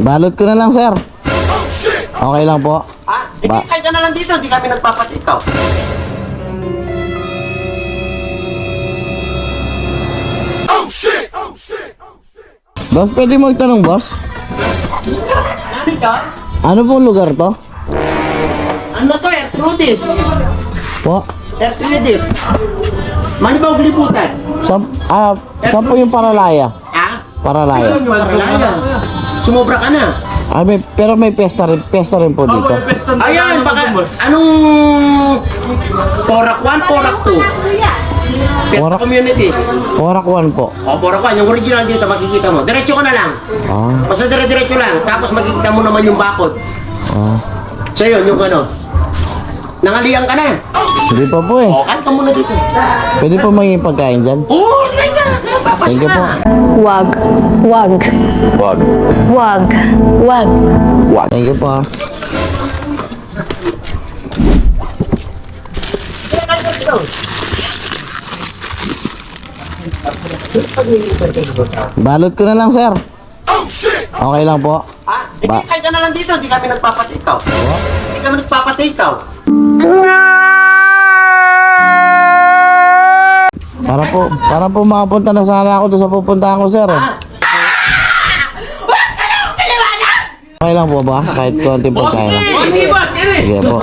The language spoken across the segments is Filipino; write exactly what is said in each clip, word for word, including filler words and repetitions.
Balot ko na lang, sir. Okay lang po. Ah, hindi kayo ka na lang dito, hindi kami nagpapatikaw. Oh shit! Oh shit! Boss, pwede mo magtanong, boss? Nani ka? Ano pong lugar to? Ano to, Ertrudis? Po? Ertrudis. Mani ba ang liputan? Saan, ah, saan po yung Paralaya? Ha? Paralaya. Paralaya. Sumobra ka na. Ah, may, pero may pesta rin, pesta rin po dito. Ayan, baka, anong Porak one, Porak two? Best Porak- communities. Porak one po. O, Porak one, yung original dito, makikita mo. Diretso ka na lang. Ah, Basta dire-diretso lang. Tapos makikita mo naman yung bakod. ah. So yun, yung ano. Nangaliang ka na. Hindi pa po eh. O, kan ka muna dito. Pwede po maging pagkain dyan? Oo, sige ka. Papas Thank you po. na. Wag. Wag. Wag. Wag. Wag. Thank you po. ah. Balot ko na lang, sir. Oh shit! Okay lang po. Ah, hindi Ba- kayo ka na lang dito, hindi kami nagpapatikaw. Hindi kami nagpapatikaw. Para po, para po makapunta na sana ako doon sa pupuntahan ko, sir. Eh. Okay lang po ba? Kahit konting pagkain lang. Sige, boss, kaya Sige po.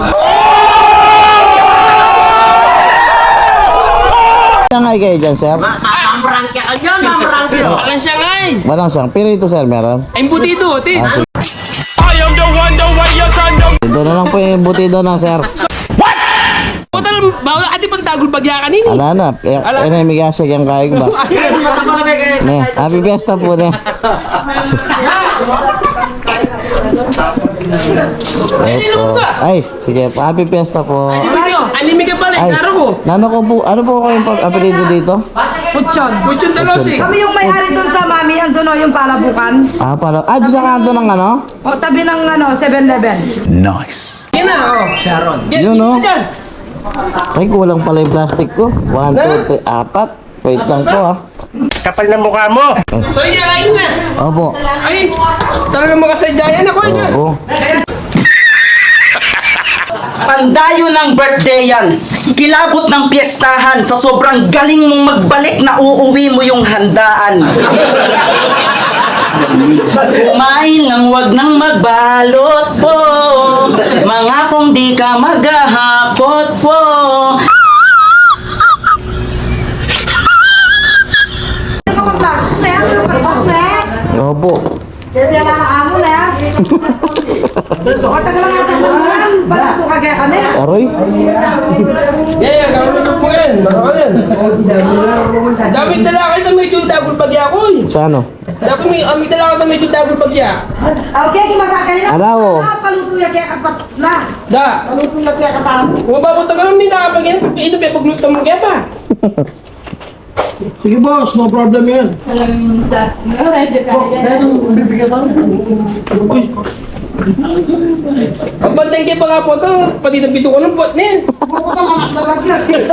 Sangay kayo dyan, sir? Ma Mamrangkya ka dyan, mamrangkya. Walang Shanghai. Walang siyang. Pirito, sir, meron? Ay, butido, tin. Ah, sige. I am the one, the way your son don't. Ito na lang po yung butido ng sir. Putal, bawal ati pang tagol bagya kanini. Ala na. Eh, eh, may migasig yung kaig ba? Mata ko na ba kayo? Ne, happy fiesta po, ne. Ito. Ay, sige po. Happy fiesta po. Anime ka pala, Ay, itaro ko. nano ko po, ano po ko yung apelido dito? Puchon. Puchon talosi. Kami yung may-ari doon sa mami, andun o yung palabukan. Ah, para. Ah, doon sa kanto ng ano? O tabi ng ano, seven eleven. Yan na, oh. Sharon. Yun, oh. Yan. Ay, kulang pala yung plastic ko. One, two, three, apat. Wait lang po, ah. Kapal ng mukha mo. So, yan, kain na. Opo. Ay, talaga makasadyayan ako. Yan. Opo. Pandayo ng birthday yan. Kilabot ng piyestahan. Sa sobrang galing mong magbalik na uuwi mo yung handaan. Kumain ng wag nang magbalot po. Mga kung di ka maghahakot po. Ano ka pag-plastic na yan? Ano ka pag Opo. Sesya na ang amo na yan. O tagal lang natin mo yan. Ba't po kagaya kami? Aroy. Yan, gawin mo po yan. Maraka yan. Dapat dala kayo na medyo dagol bagya ko. eh. Sa ano? Dapat may amig dala kayo na medyo dagol bagya. Okay, kimasakay na. Alaw. Ah, paluto yan kaya kapat na. Da. Paluto yan kaya kapat. Kung mapapunta ka naman, hindi nakapag yan. Ito, may pagluto mo kaya pa. Sige boss, no problem yan. Pagbantay kayo pa nga po ito, pati nabito ko ng pot na yan. Pupunta ka na talaga.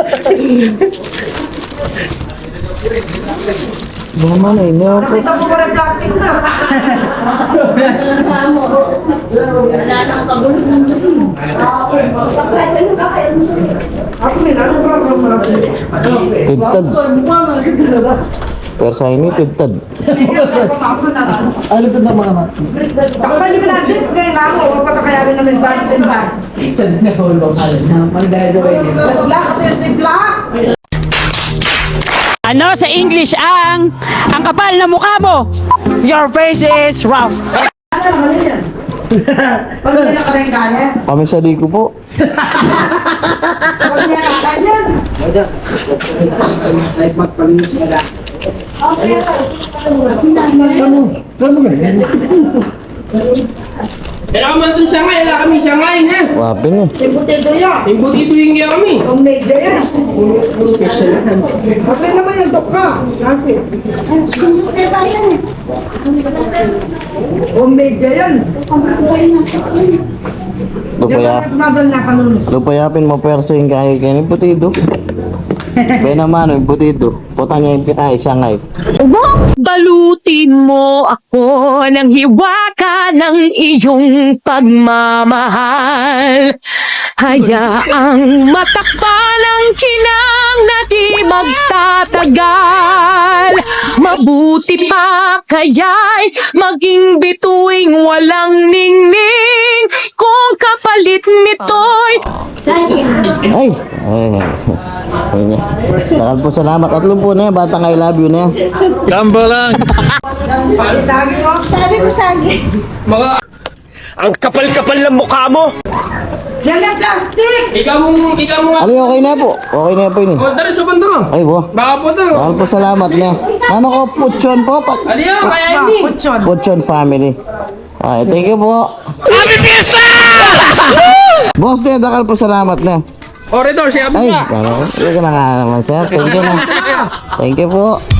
Naman eh, no. Nakita mo pa rin plastic na. Tidtad. Persa ini tidtad. Ano ito na mga mat? Takpan niyo na din. Ngayon lang ako. Huwag patakayarin namin balik din ba? Isa din na hulong. Magdahil sa wedding. Black at yung si Black. Ano sa English ang ang kapal na mukha mo? Your face is rough. Ano naman yun yan? Pag hindi nakarengga niya. Kami sa liko po. Pag niya nakain yan. Like magpalinis ka na. Kaya ka man itong Shanghai, wala kami Shanghai na. Wapin eh. Timbutido yan. Yung butito yung kaya kami. Homemade yan. Okay naman yung dokka. Kasi. Homemade yan. Lupaya. Diyan tumagal na kanunos. Lupayapin mo persa yung kaya kayo putido. Ben naman, yung butido. Puta niya yung pinay, siya ngay. Balutin mo ako ng hiwaka ng iyong pagmamahal. Hayaang matakpan ang kinang na di magtatagal. Mabuti pa kaya'y maging bituing walang ningning. Kung kapalit nito'y Ay! Ay! Ay niya. Takal po salamat. At po na yan, batang I love you na yan. Saging mo. Sabi ko saging. Mga, Ang kapal-kapal ng mukha mo! Yan ang plastic. ikaw mo, ikaw mo nga. Ano yung okay na po? Okay na po yun eh. O, tara sa banda mo. Ay po. Baka po to. Takal po salamat na. Ano ko, Puchon po. Pa Ano yun, kaya Ba, ini. kutsyon. Puchon family. Ay, thank you po. Happy Fiesta! Boss din, takal po salamat na. O, Redor, siya Ay, ba? ano? Hindi ka na nga naman sir. Thank you na. Thank you po.